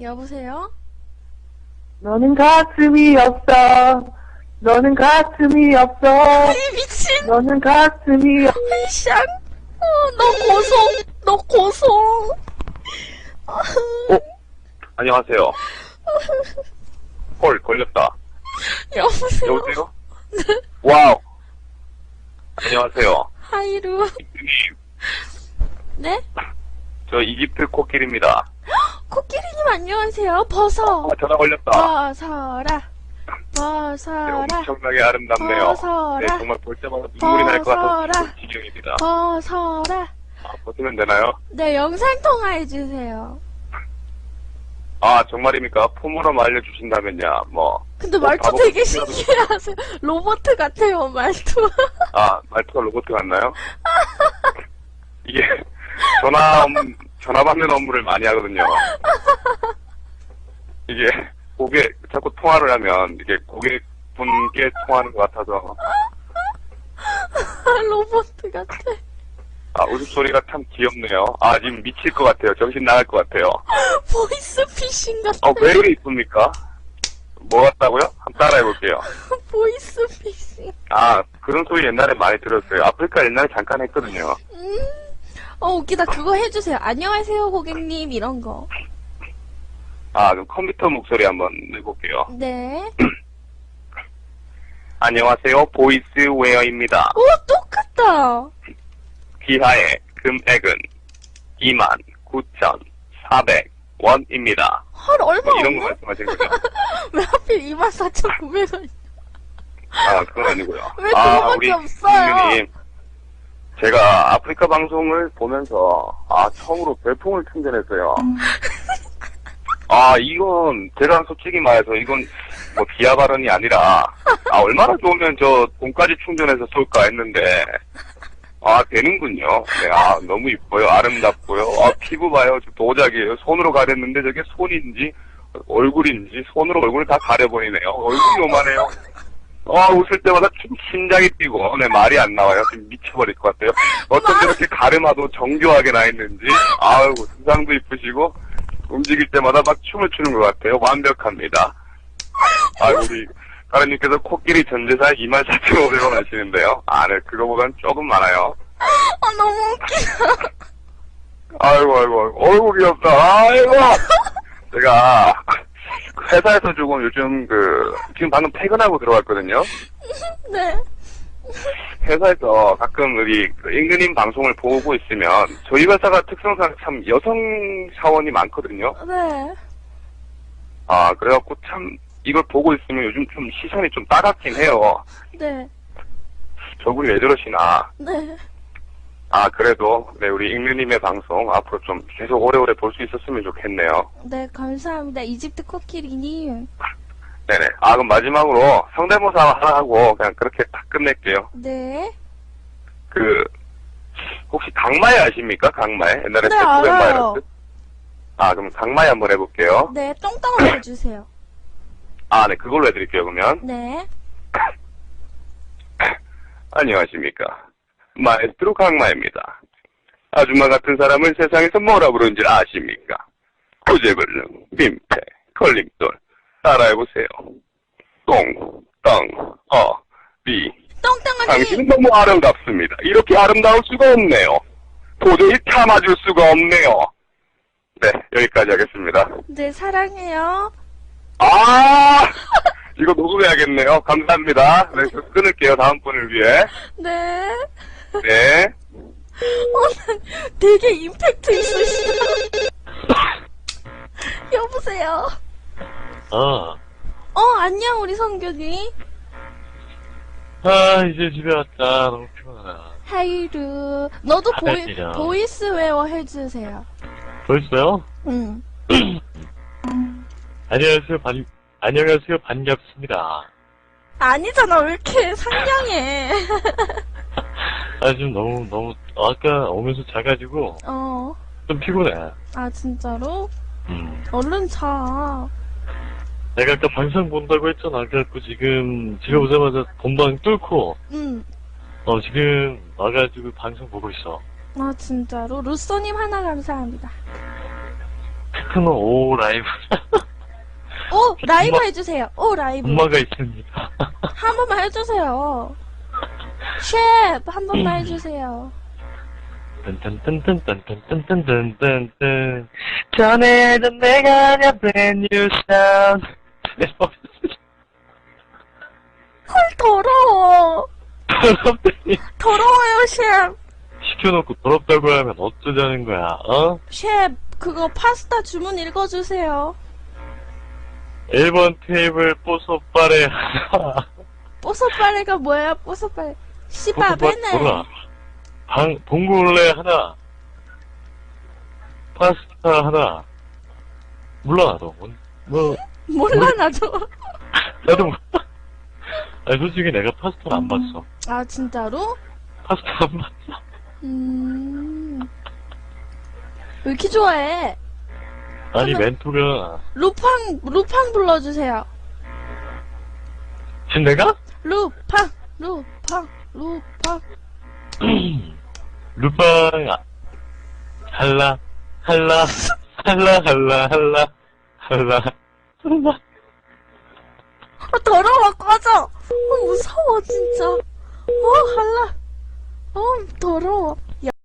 여보세요? 너는 가슴이 없어. 너는 가슴이 없어. 이 미친! 너는 가슴이 없어. 샹! 너 고송! 너 고송! 안녕하세요. 헐, 걸렸다. 여보세요? 여보세요? 와우. 안녕하세요. 하이루. 이님, 네? 저 이집트 코끼리입니다. 코끼리님 안녕하세요. 벗어. 전화 걸렸다. 벗어라. 네, 벗어라. 엄청나게 아름답네요. 벗어라. 네, 정말 볼 때마다 눈물이 날 것 같아서 벗어라. 지경입니다. 벗어라. 벗으면 되나요? 네, 영상통화해주세요. 아, 정말입니까? 폼으로 알려주신다면야, 뭐. 근데 말투 바보 되게 코끼리라도- 신기해하세요. 로봇 같아요, 말투. 아, 말투가 로봇 같나요? 이게, 전화 받는 업무를 많이 하거든요. 이게, 자꾸 통화를 하면, 이게 고객분께 통화하는 것 같아서. 로봇 같아. 아, 웃음소리가 참 귀엽네요. 아, 지금 미칠 것 같아요. 정신 나갈 것 같아요. 보이스 피싱 같아. 왜 이리 이쁩니까? 뭐 같다고요? 한번 따라해볼게요. 보이스 피싱. 아, 그런 소리 옛날에 많이 들었어요. 아프리카 옛날에 잠깐 했거든요. 웃기다. 그거 해주세요. 안녕하세요, 고객님. 이런 거. 아, 그럼 컴퓨터 목소리 한번 내볼게요. 네. 안녕하세요. 보이스웨어입니다. 오, 똑같다. 기하의 금액은 29,400원입니다. 헐, 얼마 이런 거 없네? 말씀하신 거죠? 왜 하필 24,900원? 아, 그건 아니고요. 왜 그거밖에 없어요? 국민님, 제가 아프리카 방송을 보면서 처음으로 별풍을 충전했어요. 이건 제가 솔직히 말해서 이건 뭐 비하 발언이 아니라 얼마나 좋으면 저 돈까지 충전해서 쏠까 했는데 되는군요. 네, 너무 이뻐요. 아름답고요. 피부 봐요. 저 도자기예요. 손으로 가렸는데 저게 손인지 얼굴인지 손으로 얼굴을 다 가려버리네요. 얼굴이 요만해요. 웃을 때마다 좀 심장이 뛰고, 네, 말이 안 나와요. 지금 미쳐버릴 것 같아요. 어쩜 저렇게 가르마도 정교하게 나 있는지, 두상도 이쁘시고, 움직일 때마다 막 춤을 추는 것 같아요. 완벽합니다. 우리, 가르님께서 코끼리 전재산 24,500원 하시는데요. 네, 그거보단 조금 많아요. 너무 웃기다. 아이고, 귀엽다. 제가, 회사에서 조금 요즘 지금 방금 퇴근하고 들어왔거든요. 네. 회사에서 가끔 우리 임금님 방송을 보고 있으면 저희 회사가 특성상 참 여성 사원이 많거든요. 네. 그래갖고 참 이걸 보고 있으면 요즘 좀 시선이 좀 따갑긴 해요. 네. 저분이 왜 저러시나. 네. 그래도 네, 우리 임금님의 방송 앞으로 좀 계속 오래오래 볼 수 있었으면 좋겠네요. 네, 감사합니다. 이집트 코끼리님. 네네. 그럼 마지막으로 성대모사 하나 하고 그냥 그렇게 딱 끝낼게요. 네. 혹시 강마에 아십니까? 강마에? 옛날에 네, 세포벤 알아요. 바이러스? 그럼 강마에 한번 해볼게요. 네, 똥땅을 해주세요. 네, 그걸로 해드릴게요, 그러면. 네. 안녕하십니까. 마에스트로 강마입니다. 아줌마 같은 사람을 세상에서 뭐라 부르는지 아십니까? 구제불능, 민폐, 걸림돌. 따라해보세요. 똥, 땅, 비. 똥땅을 당신은 너무 아름답습니다. 이렇게 아름다울 수가 없네요. 도저히 참아줄 수가 없네요. 네, 여기까지 하겠습니다. 네, 사랑해요. 이거 녹음해야겠네요. 감사합니다. 네, 끊을게요. 다음 분을 위해. 네. 네. 난 되게 임팩트 있으시다. 여보세요. 안녕, 우리 성균이. 이제 집에 왔다. 너무 피곤하다. 하이루. 너도 알겠죠. 보이스웨어 해주세요. 벌써요? 응. 안녕하세요, 반갑습니다. 아니잖아, 왜 이렇게 상냥해. 지금 너무, 아까 오면서 자가지고, 좀 피곤해. 진짜로? 얼른 자. 내가 아까 방송 본다고 했잖아. 그래갖고 지금 집에 오자마자 본방 뚫고, 응. 지금 와가지고 방송 보고 있어. 진짜로? 루쏘님 하나 감사합니다. 시크노 오 라이브. 오, 라이브 해주세요. 오, 라이브. 엄마가 있습니다. 한 번만 해주세요. 셰프, 한 번만 해주세요. 딴딴딴딴딴딴딴딴딴딴 전에도 내가 내 brand new sound. 헐, 더러워. 더럽다니. 더러워요, 셰프. 시켜놓고 더럽다고 하면 어쩌자는 거야, 어? 셰프, 그거 파스타 주문 읽어주세요. 1번 테이블 뽀소빠레 하나. 뽀소빠레가 뭐야, 뽀소빠레. 씨바베네. 뭐라? 봉골레 하나. 파스타 하나. 몰라, 나도. 몰라, 나도. 나도 몰라. 아니, 솔직히 내가 파스타를 안 봤어. 아, 진짜로? 파스타 안 봤어. 왜 이렇게 좋아해? 아니, 그러면- 멘토가. 루팡 불러주세요. 지금 내가? 루팡. 루팡, 할라, 할라, 할라, 할라, 할라, 할라, 할라. 더러워, 꺼져. 무서워, 진짜. 할라. 더러워.